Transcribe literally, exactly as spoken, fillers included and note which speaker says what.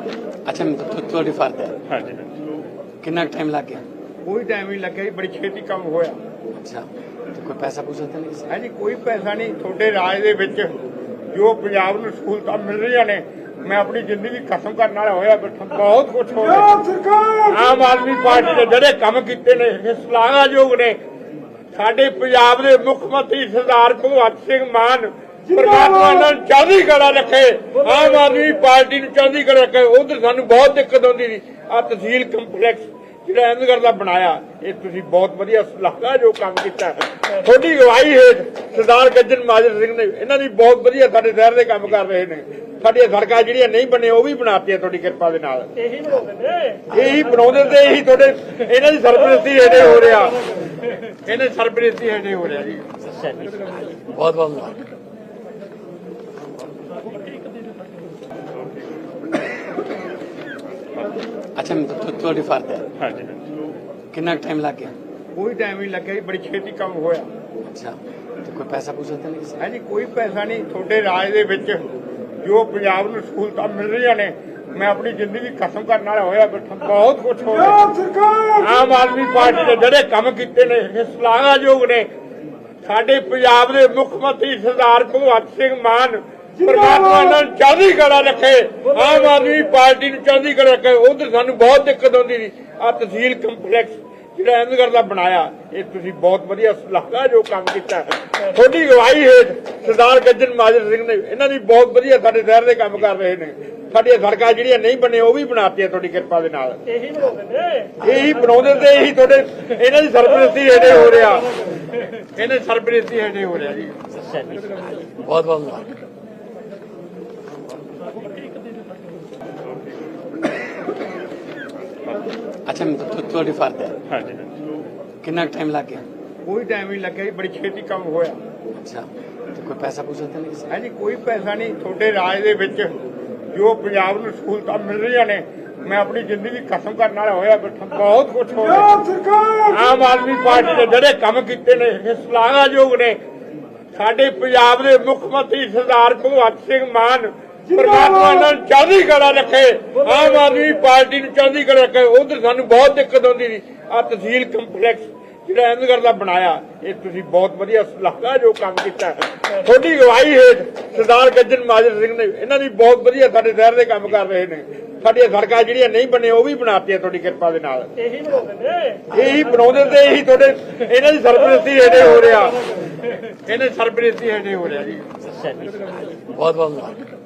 Speaker 1: अच्छा थोड़ी फर्द है।
Speaker 2: हाँ जी
Speaker 1: कितना टाइम लग गया?
Speaker 2: कोई टाइम नहीं लगे, बड़ी छेती काम होया।
Speaker 1: अच्छा तो कोई पैसा पूछा था नहीं?
Speaker 2: है जी कोई पैसा नहीं। थोड़े राज दे विच जो पंजाब नूं सहूलतां मिल रही ने, मैं अपनी जिंदगी खत्म करने वाला होया बैठा। बहुत कुछ हो रहा। आम आदमी पार्टी के ਜਿਹੜੇ ਕੰਮ ਕੀਤੇ ਨੇ ਇਹ ਸ਼ਲਾਘਾਯੋਗ ਨੇ। ਸਾਡੇ ਪੰਜਾਬ ਦੇ ਮੁੱਖ ਮੰਤਰੀ ਸਰਦਾਰ ਭਗਵੰਤ ਸਿੰਘ ਮਾਨ परमात्मा ने चढ़दी कला रखे, आम आदमी पार्टी ने चढ़दी कला रखे। उधर सानू बहुत दिक्कत आती थी। आ तहसील कंपलैक्स जो अहमदगढ़ का बनाया, ये तुसीं बहुत वधिया सलाहकार जो काम किया। थोड़ी अगवाई हेठ सरदार गजन माजर सिंह ने इन्हां दी बहुत वधिया साडे शहर दे काम कर रहे हैं। साडियां सड़कां जिहड़ियां नहीं बने वो भी बनातीआं तुहाडी किरपा दे नाल। यही बनाउंदे यही बनाउंदे ते यही तुहाडे इन्हां दी सरपरस्ती हेठे हो रहा। इन्हां दी सरपरस्ती हेठे हो रहा जी।
Speaker 1: बहुत बहुत मुबारक। अच्छा थोड़ी फर्द है।
Speaker 2: हाँ जी
Speaker 1: कितना टाइम लग गया?
Speaker 2: कोई टाइम नहीं लगे, बड़ी छेती काम होया।
Speaker 1: अच्छा तो कोई पैसा पूछा था नहीं?
Speaker 2: है जी कोई पैसा नहीं। थोड़े राज दे विच जो पंजाब नूं सहूलतां मिल रही ने, मैं अपनी जिंदगी खत्म करने वाला होया बैठा। बहुत कुछ हो रहा। आम आदमी पार्टी के ਜਿਹੜੇ ਕੰਮ ਕੀਤੇ ਨੇ ਇਹ ਸ਼ਲਾਘਾਯੋਗ ਨੇ। ਸਾਡੇ ਪੰਜਾਬ ਦੇ ਮੁੱਖ ਮੰਤਰੀ ਸਰਦਾਰ ਭਗਵੰਤ ਸਿੰਘ ਮਾਨ परमात्मा ने चढ़दी कला रखे, आम आदमी पार्टी ने चढ़दी कला रखे। उधर सानू बहुत दिक्कत आती थी। आ तहसील कंपलैक्स जो अहमदगढ़ का बनाया, ये तुसीं बहुत वधिया सलाहकार जो काम किया। थोड़ी अगवाई हेठ सरदार गजन माजर सिंह ने इन्हां दी बहुत वधिया साडे शहर दे काम कर रहे हैं। साडियां सड़कां जिहड़ियां नहीं बने वो भी बनातीआं तुहाडी किरपा दे नाल। यही बनाउंदे यही बनाउंदे ते यही तुहाडे इन्हां दी सरपरस्ती हेठे हो रहा। इन्हां दी सरपरस्ती हेठे हो रहा जी।
Speaker 1: बहुत बहुत मुबारक। अच्छा थोड़ी फर्द है।
Speaker 2: हाँ जी
Speaker 1: कितना टाइम लग गया?
Speaker 2: कोई टाइम नहीं लगे, बड़ी छेती काम होया।
Speaker 1: अच्छा तो कोई पैसा पूछा था नहीं?
Speaker 2: है जी कोई पैसा नहीं। थोड़े राज दे विच जो पंजाब नूं सहूलतां मिल रही ने, मैं अपनी जिंदगी खत्म करने वाला होया बैठा। बहुत कुछ हो रहा। आम आदमी पार्टी के ਜਿਹੜੇ ਕੰਮ ਕੀਤੇ ਨੇ ਇਹ ਸ਼ਲਾਘਾਯੋਗ ਨੇ। ਸਾਡੇ ਪੰਜਾਬ ਦੇ ਮੁੱਖ ਮੰਤਰੀ ਸਰਦਾਰ ਭਗਵੰਤ ਸਿੰਘ ਮਾਨ परमात्मा ने चढ़दी कला रखे, आम आदमी पार्टी ने चढ़दी कला रखे। उधर सानू बहुत दिक्कत आती थी। आ तहसील कंपलैक्स जो अहमदगढ़ का बनाया, ये तुसीं बहुत वधिया सलाहकार जो काम किया। थोड़ी अगवाई हेठ सरदार गजन माजर सिंह ने इन्हां दी बहुत वधिया साडे शहर दे काम कर रहे हैं। साडियां सड़कां जिहड़ियां नहीं बने वो भी बनातीआं तुहाडी किरपा दे नाल। यही बनाउंदे यही बनाउंदे ते यही तुहाडे इन्हां दी सरपरस्ती हेठे हो रहा। इन्हां दी सरपरस्ती हेठे हो रहा जी।
Speaker 1: बहुत बहुत मुबारक।